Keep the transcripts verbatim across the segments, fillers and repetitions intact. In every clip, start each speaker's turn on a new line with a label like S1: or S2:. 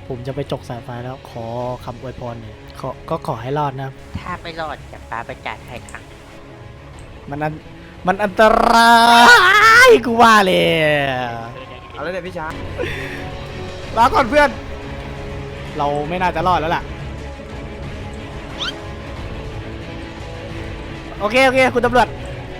S1: ผมจะไปจกสายไฟแล้วขอคำอวยพรหน่อยขอก็ขอให้รอดนะ
S2: ถ้าไม่รอดจะป้าไปจ่ายให้ครั้ง
S1: มันอันมันอันตรายกูว่าเลย
S3: เอาเลยเนี่ยพี่ช้าง
S1: ลาก่อนเพื่อน เราไม่น่าจะรอดแล้วล่ะโอเคโอเคคุณตำรวจ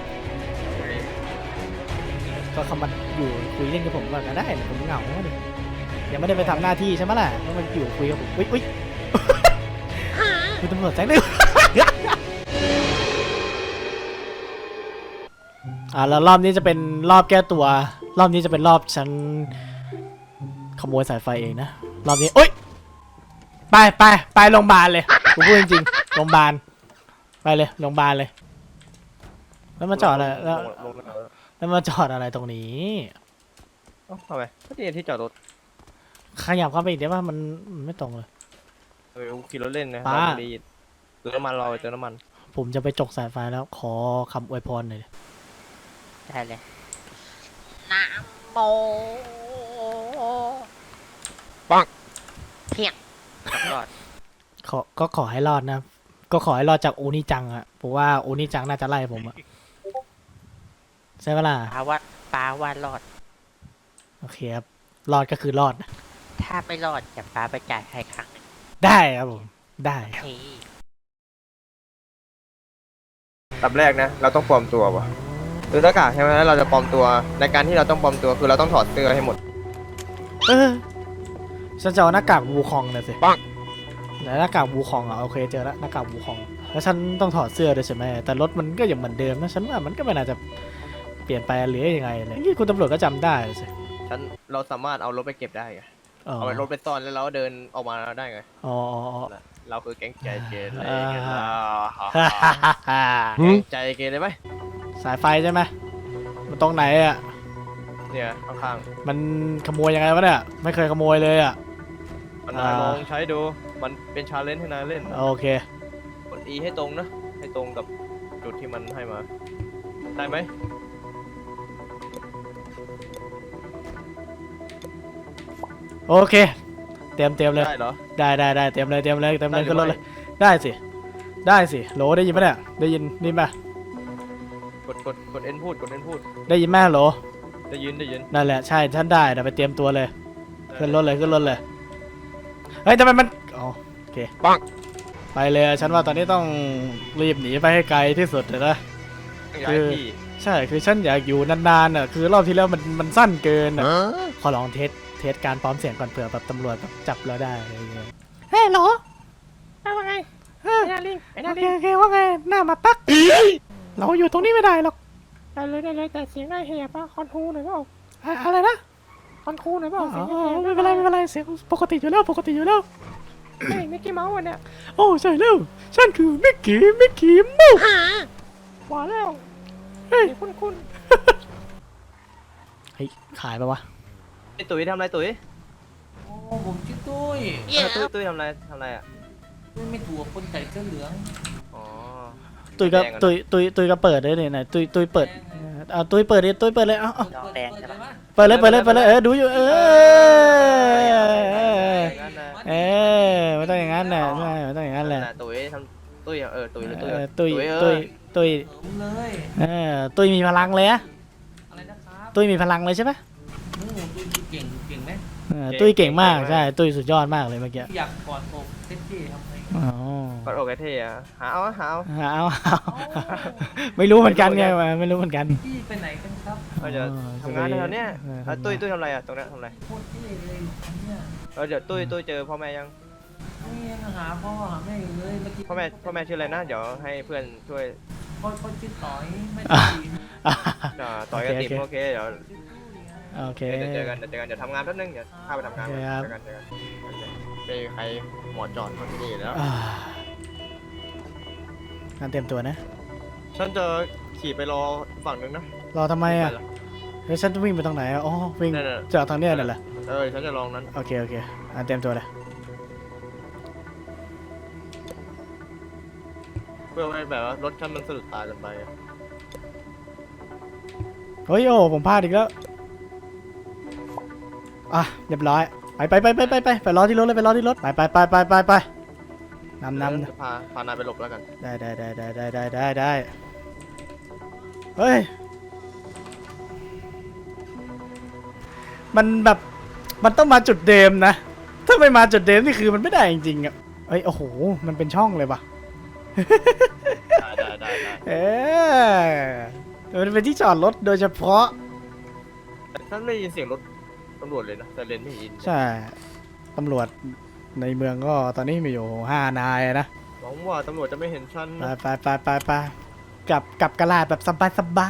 S1: ก็คำมันอยู่คุยเล่นกับผมก่อนก็ได้ผมเหงาดิยังไม่ได้ไปทำหน้าที่ใช่ไหมล่ะแล้วมันอยู่คุยกับผมอุ้ยอุ้ย คุณตำรวจแจ้งเลย อ่าแล้วรอบนี้จะเป็นรอบแก้ตัว รอบนี้จะเป็นรอบฉันขโมยสายไฟเองนะรอบนี้โอ๊ยไปไปไปโรงพยาบาลเลยกูพูดจริงๆโรงพยาบาลไปเลยโรงพยาบาลเลยแล้วมาจอดอะไรแล้ว
S3: ลงลงลง
S1: แล้วมาจอดอะไรตรงนี้
S3: เอ้าทำไมก็นี่ที่จอดรถ
S1: ขยับเข้าไปอีกได้ป่ะมันมันไม่ตรงเลย
S3: เออขี่รถเล่นนะ
S1: ป้า
S3: เราดีเติมน้ำมันเราไปเติมน้ำมัน
S1: ผมจะไปจกสายไฟแล้วขอคำอวยพรหน่อยดิ
S2: ได้เลยนะโม
S3: ปัง
S2: เพียงรอด
S1: ขอก็ขอให้รอดนะ ก็ขอให้รอดจากโอนิจังอะเพราะว่าโอนิจังน่าจะไล่ผมอะใช่ปะล่ะ
S2: ป้าว่าป้าว่ารอด
S1: โอเคครับรอดก็คือรอดนะ
S2: ถ้าไม่รอดจะป้าไปจ่ายให้ครั้งหนึ่ง
S1: ได้ครับผมได้ครับ
S2: นี่
S3: ตับแรกนะเราต้องปลอมตัวป่ะคือหน้ากากใช่ไหมแล้วเราจะปลอมตัวในการที่เราต้องปลอมตัวคือเราต้องถอดเสื้อให้หมด
S1: เออฉันจะเอาหน้ากากวูคองเลยสิ
S3: ปัง
S1: ไหนหน้ากากวูคองอะโอเคเจอแล้วหน้ากากวูคองแล้วฉันต้องถอดเสื้อด้วยใช่ไหมแต่รถมันก็ยังเหมือนเดิมนะฉันว่ามันก็ไม่น่าจะเปลี่ยนไปหรือยังไงเลยนี่คุณตำรวจก็จำได้สิ
S3: ฉันเราสามารถเอารถไปเก็บได้ไง
S1: อ๋อ
S3: เอารถไปซ่อนแล้วเราก็เดินออกมาได้ไง
S1: อ๋ออ๋ออ๋อ
S3: เราคือแก๊งใจเกเร
S1: อ่า
S3: ไงล่ะ
S1: ฮ่าฮ่าฮ่าฮ่า
S3: แก๊งใจเกเรไหม
S1: สายไฟใช่ไหมมันตรงไหนอ่ะ
S3: เนี่ยข้าง
S1: มันขโมยยังไงวะเนี่ยไม่เคยขโมยเลยอ่ะ
S3: ๆมัน
S1: อ่า
S3: ลองใช้ดูมันเป็นชาเลนจ์ให้นายเล่น
S1: โอเค
S3: กด E ให้ตรงนะให้ตรงกับจุดที่มันให้มาได้ไหม
S1: โอเคเตรียมเตรียมเลย
S3: ได้เหรอ
S1: ได้ได้ได้เตรียมเลยเตรียมเลยเตรียมเลย
S3: ได้หรือ
S1: ขึ้นรถเลย
S3: ไม่
S1: ได้สิได้สิโหลได้ยินไหมเนี่ยได้ยินนี่ป่ะ
S3: กดกดกด N พูดกด N พูด
S1: ได้ยินไหมโหล
S3: ได้ยินได้ยิน
S1: นั่นแหละใช่ฉันได้เดี๋ยวไปเตรียมตัวเลยขึ้นรถเลยขึ้นรถเลยเฮ้ยทำไมมันอ๋อโอเค
S3: ปัง
S1: ไปเลยฉันว่าตอนนี้ต้องรีบหนีไปให้ไกลที่สุดเลยนะ
S3: ย้ายที่
S1: ใช่คือฉันอยากอยู่นานๆอ่ะคือรอบที่แล้วมันมันสั้นเกินอ่ะขอลองเทสเทสการพร้อมเสียงก่อนเผื่อแบบตำรวจแบบจับเราได้อะไรอย่างเงี้ยเฮ้ยโหล
S2: ว่าไง
S1: เฮ้ย
S2: ไอ้นาลิงไอ้นา
S1: โอเค
S2: ลิง
S1: โอเคว่าไงหน้ามาปักเราอยู่ตรงนี้ไม่ได้หรอก
S2: ได้เลยได้เลยแต่เสียงได้แหบป่ะคอนทูหน่อยเปล่า
S1: อะอะไรนะ
S2: คอนทูหน่อยเปล่า
S1: อ๋
S2: เสียง
S1: อ
S2: แหบ
S1: ไม่เป็นไรไม่เป็นไรเสียงปกติอยู่แล้วปกติอยู่แล้ว
S2: เฮ้ยมิกกี้เมาส์เนี่ย
S1: โอ้ใช่แล้วฉันคือมิกกี้มิกกี้มู
S2: ว่าแล้ว
S1: เฮ้ย
S2: คุณคุณ
S1: เฮ้ยขายปะวะ
S3: ไอตุ๋ยทำอะไรตุ๋ย
S4: โอ้ผมชื่อตุ้ย
S3: เออตุ้ยตุ้ยทำอะไรทำอะไรอ่ะ
S4: ตุ้ยไม่ถูกกับคนใส่เสื้อเหลือง
S3: อ๋อ
S1: ตุยก็
S3: แดงอะนะ
S1: ตุยตุยตุยก็เปิดเลยเนี่ยไหนตุยตุยเปิดเอาตุยเปิดดิตุยเปิดเลยเอาเอา
S4: เปิดเปิดเลยปะ
S1: เปิดเลยเปิดเลยเปิดเลยเออดูอยู่เออ
S3: อย่างนั้นนะ
S1: เออไม่ต้องอย่างนั้นแหละใช่ไม่ต้องอย่างนั้นแหละ
S3: ตุ๋ยทำตุ้ยเออตุ๋ยหรือตุ้ย
S1: เออตุย
S3: เอ
S1: ตุ
S3: อย
S1: ตุย
S4: ผมเลย
S1: เออตุยมีพลังเลยอะ
S4: อะไรนะครับ
S1: ตุยมีพลังเลยใช่ปะ
S4: โอ้ตุ้ยเก่งเก่งไหม
S1: เออตุยเก่งมากใช่ตุยสุดยอดมากเลยเมื่อกี้
S4: อยากกอดอกเซ็กซี่ทำไง
S1: อ๋อก
S3: ดอกไอเท่อะหาเอาหาเอา
S1: เอาเอาไม่รู้เหมือนกันไงไม่รู้เหมือนกัน
S4: พี่ไปไหนกันครับ
S3: เราจะทำงานแถวเนี้ย
S1: เออ
S3: แล้วตุ้ยตุ้ยทำอะไรอ่ะตรงนั้นทำอะไร
S4: โคตรเท่เลยเนี่ย
S3: เราเดี๋ยวตุ้ยตุ้ยเจอพ่อแม่ยัง
S4: นี่ยังหาพ่อหาแม่อยู่เลยเมื่อกี้
S3: พ่อแม่พ่อแม่ชื่ออะไรนะเดี๋ยวให้เพื่อนช่วย
S4: พ่อพ่อชื่อต่อยไม่
S1: อ่ะ
S4: ตี
S3: อ่าต่อยกันติมโอเคเดี๋ยว
S1: โอเค
S3: เดี๋ยวเจอกันเดี๋ยวเจอกันเดี๋ยวทำงานแป๊บนึงเดี๋ยวข้าไปทำงาน
S1: โอเคครับ
S3: เจอกันเจอกันไม่มีใครหมอจอดคนที่นี่แล้ว
S1: อ่าการเตรียมตัวนะ
S3: ฉันจะขี่ไปรอฝั่งนึงนะ
S1: รอทำไมอ่ะเฮ้ยฉันจะวิ่งไปตรงไหนอ่ะอ๋อวิ่ง
S3: นั่นน่ะ
S1: จากทางเนี้ยนั่นแหละ
S3: เออฉันจะลองนั้น
S1: โอเคโอเคอ่าเตรียมตัวเลย
S3: เพื่อให้แบบว่ารถฉันมันสะดุดตากันไปอะ
S1: เฮ้ยโอ้ผมพลาดอีกแล้วอ่ะเรียบร้อยไปไปไปไปไปไปไปรอที่รถเลยไปรอที่รถไปไปไปไปไปไปนำนำ
S3: เดี๋ยวพาพานายไปหลบแล้วกัน
S1: ได้ได้ได้ได้ได้ได้ได้ได้เฮ้ยมันแบบมันต้องมาจุดเดิมนะถ้าไม่มาจุดเดิมนี่คือมันไม่ได้จริงๆอ่ะเอ้ยโอ้โหมันเป็นช่องเลยปะ
S3: ได้ได้ได้ได้
S1: เออมันเป็นที่จอดรถโดยเฉพาะ
S3: แต่ท่านไม่ได้ยินเสียงรถตำรวจเลยนะแต่เลนไม่ยิน
S1: ใช่ตำรวจในเมืองก็ตอนนี้มีอยู่ห้านายนะ
S3: หวังว่าตำรวจจะไม่เห็นฉัน
S1: ไป
S3: นะ
S1: ไปไปไปไปกลับกลับกระลาดแบบสบายสบาย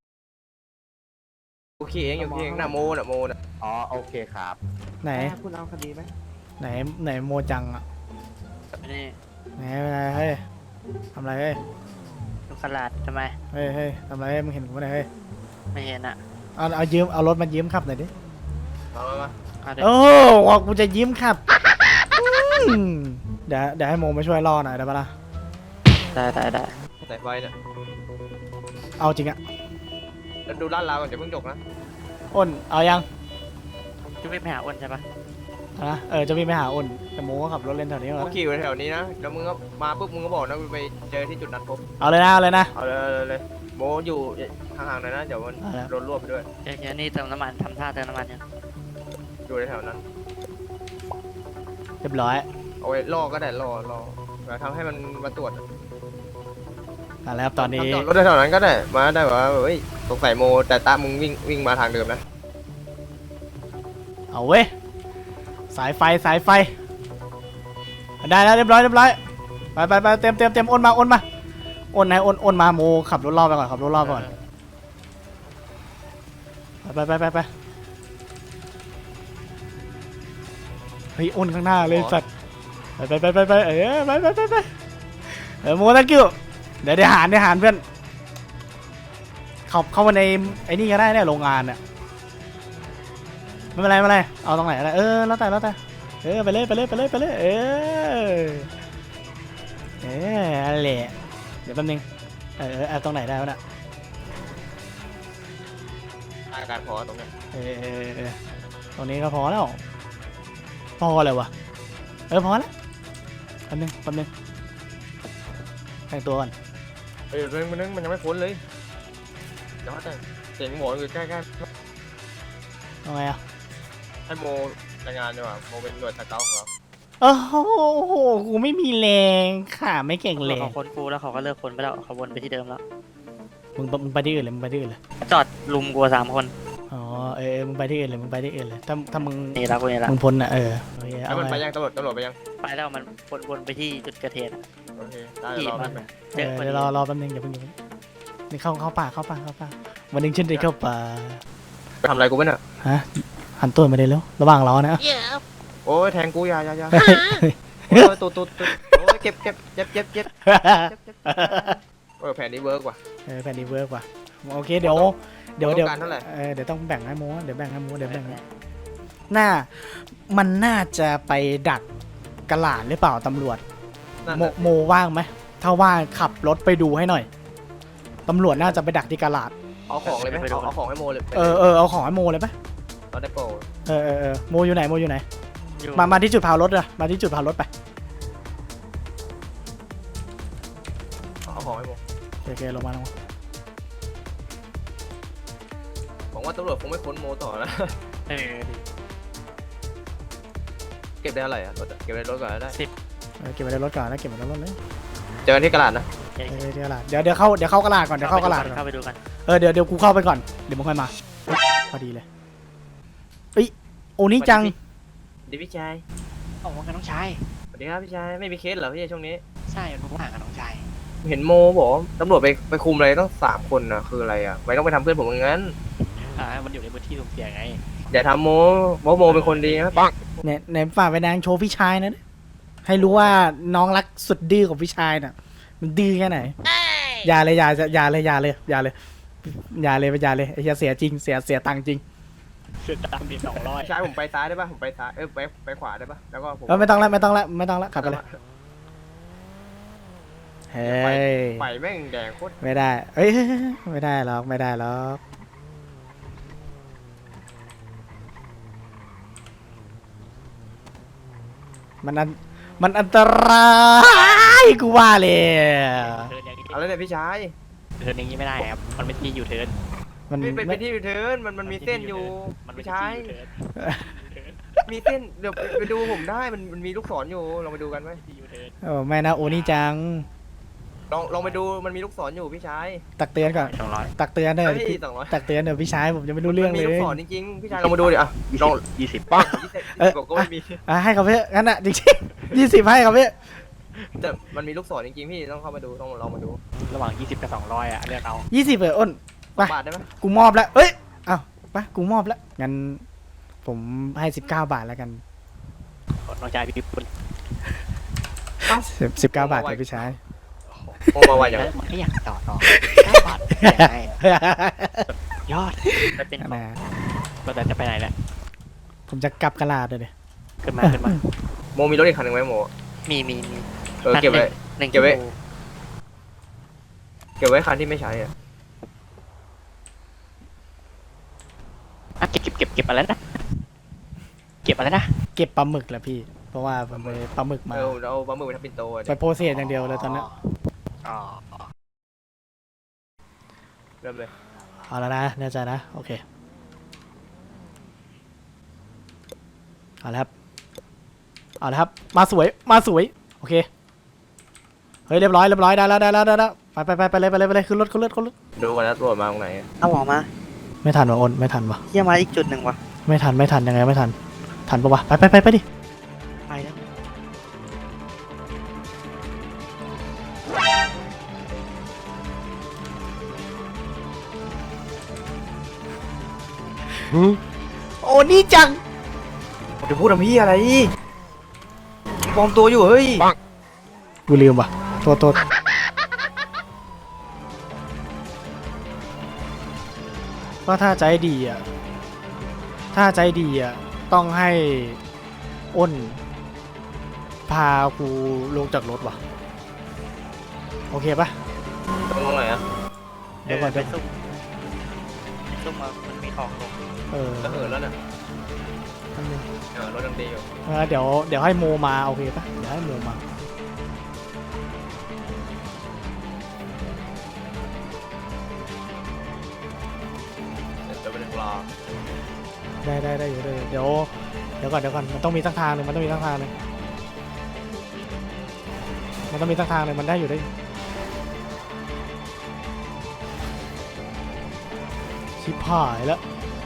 S3: โอเคเองอยู่ที่เองนะโมนะโมนะ
S5: อ๋อโอเคครับ
S1: ไหน
S3: คุณเอาคดีไหม
S1: ไหนไหนโมจังอ่ะ
S6: นี่
S1: ไหนอะไรเฮ้ยทำอะไรเฮ้ย
S6: ลูกกระลาดทำไม
S1: เฮ้ยเฮ้ยทำอะไรเฮ้ยมึงเห็นกูไหมเฮ้ย
S6: ไม่เห็นอ่ะ
S1: เอาเอายืมเอารถมายืมขับหน่อยดิ
S3: มามามา
S6: เอาเดี๋ยว
S1: โอ้บอกกูจะยืมขับอืมเดี๋ยวเดี๋ยวให้โมมาช่วยล่อหน่อยได้ปะล่ะ
S6: ได้ได้ได้
S3: สายไฟเนี่ย
S1: เอาจริงอะ
S3: แล้วดูด้านล่างก่อนเดี๋ยวเพิ่งจกนะ
S1: อ้นเอายัง
S6: จะวิ่งไปหาอ้วนใช่ปะ
S1: นะเออจะวิ่งไปหาอ้นแต่โมก็ขับรถเล่นแถวนี้
S3: โอ
S1: ก่อน
S3: เคอยู่แถวนี้นะแล้วมึงก็มาปุ๊บมึงก็บอกนะไปเจอที่จุดนัดพบ
S1: เอาเลยนะเอาเลยนะ
S3: เอาเลยเอาเลยเอาเลยโมอยู่ห่างๆหน่อยนะเดี๋ยวมัน
S1: เอาละ
S3: โดนรวบไปด้วย
S6: เดี๋ยวเดี๋ยวนี่เติมน้ำมันทำท่าเติมน้ำมันยัง
S3: อยู่ในแถวนั้น
S1: เรียบร้อย
S3: เอาไว้ล่อก็ได้ล่อล่อแล้วทำให้มันมาตรวจ
S1: อ่ะแล้วครับตอนนี้
S3: ทำจอดรถแถวนั้นก็ได้มาได้ว่าเฮ้ยสงสัยโมแต่ตามึงวิ่งวิ่งมาทางเดิมนะ
S1: เอาเว้ยสายไฟสายไฟได้แล้วเรียบร้อยเรียบร้อยไปไปไปเต็มเต็มเต็มอ้นมาอ้นมาอ้นไหนอ้นอ้นมาโมขับรถรอบไปก่อนขับรถรอบไปก่อนไปไปไปไปเฮ้ยอ้นข้างหน้าเลยสัตว์ไปไปไปไปไปเออไปไปไปไปเออโมตะกิ้วเดี๋ยวเดี๋ยวหารเดี๋ยวหารเพื่อนเข้าเข้ามาในไอ้นี่ก็ได้เนี่ยโรงงานเนี่ยไม่เป็นไรไม่เป็นไรเอาตรงไหนอะไรเออแล้วแต่แล้วแต่เออไปเลยไปเลยไปเลยไปเลยเออเอออะไรเดี๋ยวแป๊บนึงเออเออเอาตรงไหนได้วะน่ะ
S3: อาการพอตรงเนี้ย
S1: เออเออเออตรงนี้ก็พอแล้วพอเลยวะเออพอแล้วแป๊บนึงแป๊บนึงแต่งตัวก่อน
S3: เอ้ยเรื่องมันนึงมันยังไม่พ้นเลยเดี๋ยวแต่เสียงหมออยู่ใกล้
S1: เอาไงอ่ะ
S3: ๆให้โมรายงานดีกว่าโมเป็นหน่วยสเกาต์ของเรา
S1: โอ้โหกูไม่มีแรงขาไม่เก่งแร
S6: เขา
S1: ง
S6: ค้นกูแล้วเขาก็เลิกค้นไปแล้วเขาวนไปที่เดิมแล้ว
S1: มึงมึงไปที่อื่นเลยมึงไปที่อื่นเลย
S6: จอดลุมกูสามคน
S1: อ๋อเออเออมึงไปที่อื่นเลยมึงไปที่อื่นเลยถ้าถ้ามึง
S6: นี่ละกูนี่ละ
S1: มึงพ้นอ่ะเออโอเค
S3: แล้
S1: เอา
S3: วมันไป
S1: ไง
S3: ยังตำรวจตำรวจไปยัง
S6: ไปแล้วมันวนวนไปที่จุดเกิดเหตุอะ
S3: โอเคได้
S6: ขี่
S3: รอ
S6: มา
S3: แป๊บนึง
S6: เจ
S1: เอ
S6: อ
S1: อ
S6: พอดี
S1: เดี๋ยวรอรอแป๊บนึงอย่าเพิ่งอย่าเพิ่งนี่เข้าเข้าป่าเข้าป่าเข้าป่าวันหนึงฉันได้เข้าป่า
S3: ไปทำอะไรกูไม่น่ะ
S1: ฮะหันตัวมาได้แล้วระหว่างเรานะ
S3: โอ้ยแทงกูอยาอยาอยา
S1: เฮ้ยเฮ้ย
S3: โอ้ยตุดตุดตุดโอ้ยเก็บเก็บเจ็บเจ็บเจ็บเจ็บเจ็บเออแผนนี้เวิร์กว่ะ
S1: เออแผ่นนี้เวิร์กว่ะโอเคเดี๋ยวเดี๋ยว
S3: ต้อง
S1: เดี๋ยว
S3: การเท่าไหร่
S1: เออเดี๋ยวต้องแบ่งให้โมเดี๋ยวแบ่งให้โมเดี๋ยวแบ่งให้น่ามันน่าจะไปดักกระหลาดหรือเปล่าตำรวจ
S3: นั่น
S1: โม
S3: น่ะ
S1: โมว่างไหมถ้าว่างขับรถไปดูให้หน่อยตำรวจน่าจะไปดักที่กระหลาด
S3: เอาของเลยไหมเอาเอาของให้โมเลย
S1: เออเออเอาของให้โมเลยปะ
S3: เราได้โปร
S1: เออเออเออโมอยู่ไหนโมอยู่ไหน
S6: อยู่
S1: มามาที่จุดพาวรถอะมาที่จุดพาวรถไป
S3: เอาของให้โม
S1: โอเคลงมาลงมา
S3: หวังว่าตำรวจคงไม่ค้นโมต่อแล้ว
S6: เออ
S3: เก็บได้เท่าไหร่อะรถอะเก็บในรถก่อนก็ได้
S1: เออเก็บไว้ในรถก่อนแล้วเก็บไว้ในรถเลย
S3: เจอกันที่กระดาษนะ
S6: เดี๋ยว
S1: เออที่กระหลาดเดี๋ยวเดี๋ยวเข้าเดี๋ยวเข้ากระหลาดก่อนเดี๋ยวเข้ากระหลาดก่อน
S6: เข้าไปดูกัน
S1: เออเดี๋ยวเดี๋ยวกูเข้าไปก่อนเดี๋ยวมึงค่อยมาเฮ้ยพอดีเลยเอ้ยโอนี่จัง
S3: ดีพี่ชาย
S6: โอ้กับน้องชาย
S3: สวัสดีครับพี่ชายไม่มีเคสเหรอพี่ช่วงนี้
S6: ใช่ผมห่างกับน้องชาย
S3: เห็นโมบอกว่าตำรวจไปไปคุมอะไรต้องสามคนนะคืออะไรอ่ะไม่ต้องไปทำเพื่อนผมอย่างนั้น
S6: อ่ามันอยู่ในพื้นที่สุ่มเสี่ยงไง
S3: อย่าทำโมโมโมเป็นคนดีนะปัง
S1: เนี่ยในฝ่ากไปนางโชว์พี่ชายนะให้รู้ว่าน้องรักสุดดื้อของพี่ชายน่ะมันดื้อแค่ไหนอย่าเลยอย่าอย่าเลยอย่าเลยอย่าเลยอย่าเลยอย่าเลยไอ้เหี้ยเสียจริงเสียเสียตังค์จริง
S6: เสียตังค์ดีสองร้อย
S3: พี่ชายผมไปซ้ายได้ป่ะผมไปซ้ายเออไปไปขวาได้ป่ะแล้วก็ผม
S1: เออไม่ต้องแล้วไม่ต้องแล้วไม่ต้องแล้วขับไปเลยเฮ้ย
S3: ไฟแม่งแดงโคตร
S1: ไม่ได้เอ้ยไม่ได้หรอกไม่ได้หรอกมันอันมันอันตรายกูว่าเลย
S6: เทิร์นอย่างนี้
S3: เอาแล้วเนี่ยพี่ชาย
S6: เทิร์นอย่างนี้ไม่ได้ครับมันเป็นที่อยู่เทิร์น
S1: มัน
S3: พี่เป็น
S1: ไม่
S3: เป็นที่ยูเทิร์นมันมันมีเส้นอยู่
S6: มันเป็น
S3: พี่
S6: ที่
S3: ชาย
S6: อยู่เทิร์น
S3: มีเส้นเดี๋ยวไปไปดูผมได้มันมันมีลูกศรอยู่ลองไปดูกันไหม
S6: ที่อยู่เทิร์น
S1: โอ้ไม่นะโอนี่จัง
S3: ลองลองไปดูมันมีลูกศรอยู่พี่ชาย
S1: ตักเตือนก่อน
S6: สองร้อย
S1: ตักเตือนเถ
S3: เฮ้
S1: อะ
S3: ย
S1: พี่
S3: สองร้อย
S1: ตักเตือนเถอะพี่ชายผมจะไม่รู้เรื่อง
S3: มัน
S1: เล
S3: มี
S1: ย
S3: ลูกศรจริงๆพี่ชายลองมาดูดิอ่ะลอง
S6: ยี่สิบ
S3: ปังยี่สิบ
S1: เออ
S3: บอกก็ไม่มี
S1: อ่ะให้เขาเพื่องั้นอ่ะจริงๆยี่สิบให้เขาเพื่อ
S3: แต่มันมีลูกศรจริงๆพี่ต้องเข้ามาดูต้องลองมาดู
S6: ระหว่างยี่สิบกับสองร้อยอ่ะเลือกเอา
S1: ยี่สิบเอออ้น
S3: สองบาทได้ไหม
S1: กูมอบแล้วเอ้ยเอ้าไปกูมอบแล้วงั้นผมให้สิบเก้าบาทแล้วกัน
S6: น้องชายพี่คุณ
S1: สิบเก้าบาทเลยพี่ชาย
S3: โอ้มาไวอย่าง
S6: มันก็อยากต่อต่อเก้าบาทอยากได้ยอดไปเป็น
S1: นะ
S6: เราแต่จะไปไหนแหละ
S1: ผมจะกลับกระลาดเลยดิ
S6: ขึ้นมาขึ้นมา
S3: โมมีรถอีกคันหนึ่งไหมโม
S6: มีมีมี
S3: เออเก็บไว้
S6: หนึ่ง
S3: เก็บไว้
S6: ชั่วโมง
S3: เก็บไว้คันที่ไม่ใช้อ่ะ
S6: อ่ะเก็บเก็บเก็บเก็บอะไรนะเก็บอะไรนะ
S1: เก็บปลาหมึกแหละพี่ เพราะว่าผมไปปลาหมึกมา
S3: เออเราปลาหมึกไปทำปิ่นโตอ่ะ
S1: ไปโพสเซสอย่างเดียวเลยตอนนี้
S6: อ๋อ
S3: เริ่มเลย
S1: เอาแล้วนะแน่ใจนะโอเคเอาแล้วครับเอาแล้วครับมาสวยมาสวยโอเคเฮ้ยเรียบร้อยเรียบร้อยได้แล้วได้แล้วได้แล้วไปไปไปไปเลยไปเลยไปเลยขึ้นรถขึ้นรถขึ้นรถ
S3: ดูกันนะตรวจมาตรงไหน
S5: เอาหมอมา
S1: ไม่ทันวะอ้นไม่ทันวะ
S5: เยี่ยมาอีกจุดหนึ่งวะ
S1: ไม่ทันไม่ทันยังไงไม่ทันทันปะวะไปไปไปไปดิ
S5: ไปแล้ว
S1: โอ้นี่จัง
S3: จะพูดทำพี่อะไรปลอมตัวอยู่เฮ้ย
S1: กูลืมว่ะโทษโทษก็ถ้าใจดีอ่ะถ้าใจดีอ่ะต้องให้อ้นพากูลงจากรถว่ะโอเคปะ
S3: ตรงไหนอ่ะ
S1: เดี๋ยวก่อน
S5: ไป
S1: เดี๋ยว
S5: ซุ่มไปซุ่มมามันมีของลง
S1: เออ
S3: จะเหินแล้วน่ะ
S1: แป๊บนึง
S3: เออรถดังดีอยู่
S1: เออเดี๋ยวเดี๋ยวให้โมมาโอเคปะเดี๋ยวให้โมมา
S3: จะเป็นปลา
S1: ได้ได้ได้อยู่ได้อยู่เดี๋ยวเดี๋ยวก่อนเดี๋ยวก่อนมันต้องมีสักทางหนึ่งมันต้องมีสักทางหนึ่งมันต้องมีสักทางหนึ่งมันได้อยู่ได้อยู่ชิบหายแล้ว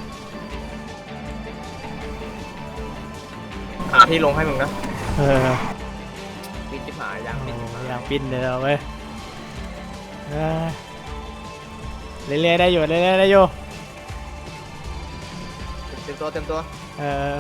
S3: หาที่ลงให้มึงนะ
S1: เออ
S3: ปิดจิบหายยางปิดจิบหาย
S1: อยางปิ้นเลยเอาเว้ยเออเรื่อยๆได้อยู่เรื่อยๆได้อยู่
S3: เต็มตัวเต็มตัว
S1: เออ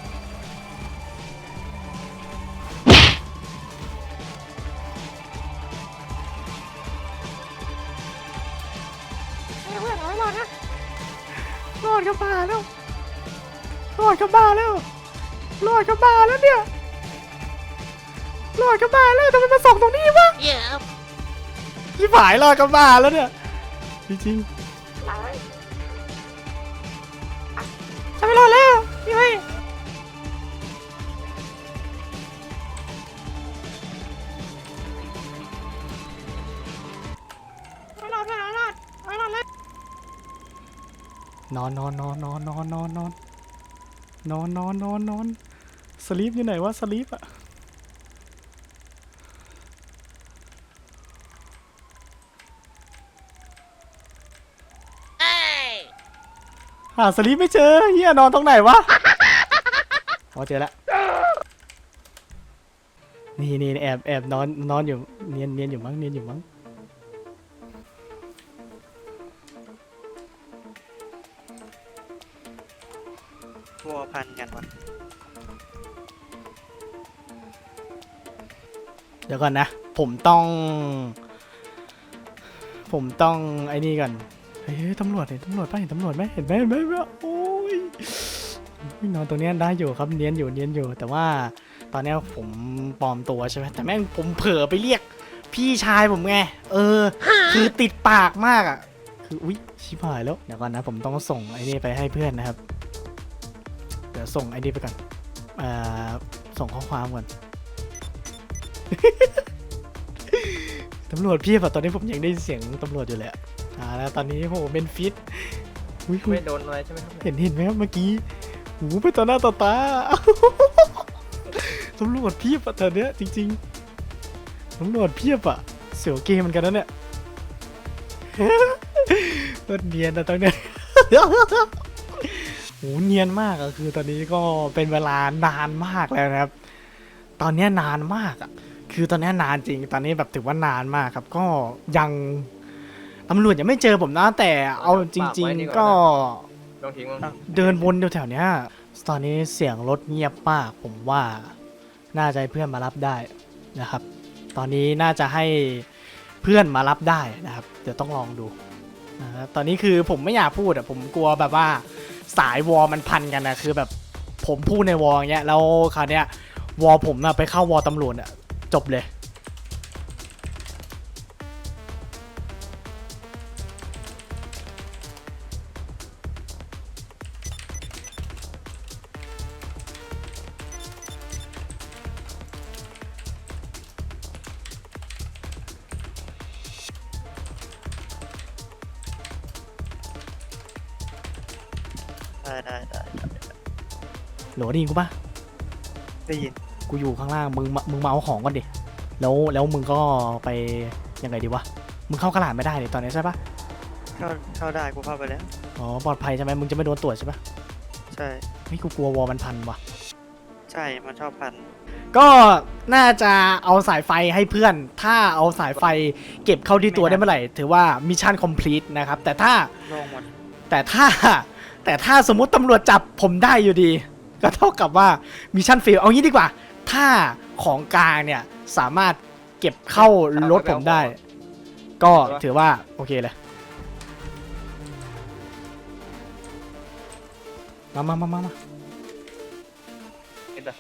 S2: เฮ้ยเพื่อนเอาไว้รอดนะ
S1: รอดกับบ้าแล้วรอดกับบ้าแล้วรอดกับบ้าแล้วเนี่ยรอดกับบ้าแล้วทำไมมาส่งตรงนี้วะชิบหายรอดกับบ้าแล้วเนี่ยจริงๆจะไม่รอดแล้วพี่เฮ้ย
S2: เอาไว้รอดเพื่อนเอาไว้รอดเอาไว้รอดเลย
S1: นอนนอนนอนนอนนอนนอนนอนนอนนอนนอนนอนสลีปอยู่ไหนวะสลีปอะหาสลีปไม่เจอเฮียนอนตรงไหนวะอ๋อเจอแล้วนี่นี่แอบแอบนอนนอนอยู่เนียนเนียนอยู่มั้งเนียนอยู่มั้ง
S5: วัวพันกันวะ
S1: เดี๋ยวก่อนนะ ผมต้อง ผมต้องไอ้นี่ก่อนเฮ้ยตำรวจเห็นตำรวจป่ะเห็นตำรวจไหมเห็นไหมเห็นไหมเห็นไหมโอ้ยนอนตรงเนี้ยได้อยู่ครับเนียนอยู่เนียนอยู่ แต่ว่าตอนเนี้ยผมปลอมตัวใช่ไหมแต่แม่งผมเผลอไปเรียก พี่ชายผมไงเออ คือติดปากมากอ่ะ คืออุ๊ยชิบหายแล้วเดี๋ยวก่อนนะผมต้องส่งไอ้นี่ไปให้เพื่อนนะครับ เดี๋ยวส่งไอ้นี่ไปก่อนอ่าส่งข้อความก่อนตำรวจเพียบอะตอนนี้ผมยังได้ยินเสียงตำรวจอยู่เลยอะอ่าแล้วตอนนี้โหเป็นฟิตอุ้ยอุ๊ย
S3: ไม่โดนอะไรใช่ไหมครับ
S1: เห็นเห็นไหมครับเมื่อกี้หูไปต่อหน้าต่อตา ตำรวจเพียบอะตอนเนี้ยจริงๆตำรวจเพียบอะเสียวเกมเหมือนกันนะเนี่ย รถเนียนนะตอนเนี้ย โหเนียนมากอะคือตอนนี้ก็เป็นเวลานานมากแล้วนะครับ ตอนเนี้ยนานมากอะคือตอนเนี้ยนานจริง ตอนนี้แบบถือว่านานมากครับ ก็ยังตำรวจยังไม่เจอผมนะ แต่เอาจริง ๆ ก็
S3: ลองทิ้งมั้ง
S1: เดินวนแถวๆเนี้ยตอนนี้เสียงรถเงียบมาก ผมว่าน่าจะให้เพื่อนมารับได้นะครับ ตอนนี้น่าจะให้เพื่อนมารับได้นะครับ เดี๋ยวต้องลองดูนะฮะตอนนี้คือผมไม่อยากพูดอะผมกลัวแบบว่าสายวอลมันพันกันนะคือแบบผมพูดในวอลอย่างเงี้ยแล้วคราวเนี้ยวอลผมอะไปเข้าวอลตำรวจอะจบเลย
S5: ได้ได้ได้
S1: โหลได้ยินกูปะ
S5: ได้ยิน
S1: กูอยู่ข้างล่างมึงมามึงมาเอาของก่อนดิแล้วแล้วมึงก็ไปยังไงดีวะมึงเข้ากระดาษไม่ได้เลยตอนนี้ใช่ปะ
S5: เข้าเข้าได้กูเข้าไปแล้ว
S1: อ๋อปลอดภัยใช่ไหมมึงจะไม่โดนตรวจใช่ปะ
S5: ใช่
S1: ไม่กูกลัววอลมันพันว่ะ
S5: ใช่มันชอบพัน
S1: ก็น่าจะเอาสายไฟให้เพื่อน ถ้าเอาสายไฟเก็บเข้าที่ตัวได้เมื่อไหร่ ถือว่ามิชชั่นคอมพลีทนะครับ แต่ถ้า
S5: โล่งหมด
S1: แต่ถ้า แต่ถ้าสมมุติตำรวจจับผมได้อยู่ดี ก็เท่ากับว่ามิชชั่นเฟลเอางี้ดีกว่า ถ้าของกลางเนี่ยสามารถเก็บเข้ารถผมได้ ก็ถือว่าโอเคเลย มามามามามา
S3: เห็นปะ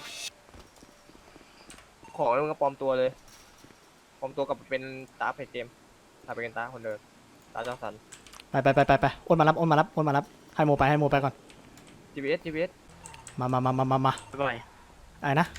S3: ของแล้วมึงก็ปลอมตัวเลยปลอมตัวกับเป็นตาเพจเกมถ้าเป็นตาคนเดิมตาเจ้าสัน
S1: ไปไปไปไปไปโอนมารับโอนมารับโอนมารับให้โมไปให้โมไปก่อน
S3: จี พี เอส จี พี เอส
S1: มามามามามามา
S5: บ่อย
S1: อะไรนะ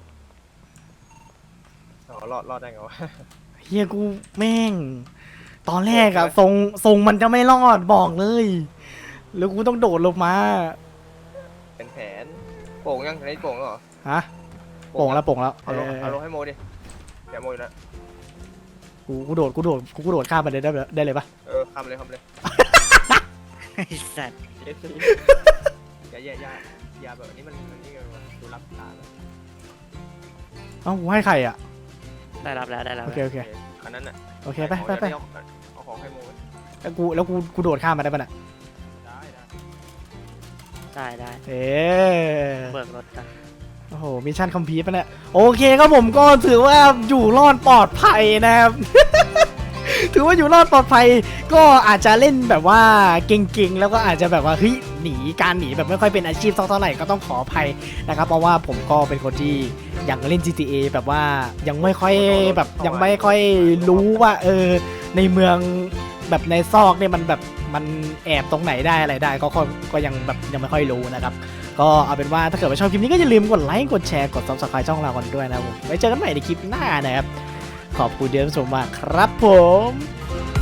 S3: อ๋อรอดรอดได้ไงวะ
S1: เฮียกูแม่ง ตอนแรกอะทรงทรงมันจะไม่รอดบอกเลย แล้วกูต้องโดดลงมา
S3: เป็นแผนโป่งยังอันนี้โป่งแล้วเหรอ
S1: ฮะโป่งแล้วโป่งแล้ว
S3: เอาลง
S1: เออ
S3: เอาลงให้โมดิเดี๋ยวโมอยู่นะ
S1: กูกูโดดกูโดดกูกูโดดข้ามไปเลยได้ไหมได้เลยปะ
S3: เออคำเลยคำเลย
S5: ไอ้สัตว์
S3: เอสซีอย่าอย่าอย่าอย่าแบบนี้มันมันนี่ไงวะดูรับตาเลย
S1: เอ้ากูให้ใครอะ
S5: ได้รับแล้วได้รับ
S1: โอเค
S5: แล้ว
S1: โอเค
S3: อันนั้นน่ะ
S1: โอเคไปไปไป
S3: เอาเอาของให้โมไว้
S1: แล้วกูแล้วกูกูโดดข้ามมาได้ปะเนี่ย
S3: ได้ได้
S5: ได้ได้
S1: เอ๊ะ
S5: เบิกรถกัน
S1: โอ้โหมิชชั่นคอมพลีทปะเนี่ยโอเคครับผมก็ถือว่าอยู่รอดปลอดภัยนะครับ ถือว่าอยู่รอดปลอดภัยก็อาจจะเล่นแบบว่าเก่งๆแล้วก็อาจจะแบบว่าเฮ้ยหนีการหนีแบบไม่ค่อยเป็นอาชีพสักเท่าไหร่ก็ต้องขออภัยนะครับเพราะว่าผมก็เป็นคนที่ยังเล่น จี ที เอ แบบว่ายังไม่ค่อยแบบยังไม่ค่อยรู้ว่าเออในเมืองแบบในซอกเนี่ยมันแบบมันแอบตรงไหนได้อะไรได้ก็ก็ก็ยังแบบยังไม่ค่อยรู้นะครับก็เอาเป็นว่าถ้าเกิดว่าชอบคลิปนี้ก็อย่าลืมกดไลค์กดแชร์กด ซับสไครบ์ ช่องเรากันด้วยนะครับผมไว้เจอกันใหม่ในคลิปหน้านะครับขอบคุณเดียวชมมากครับผม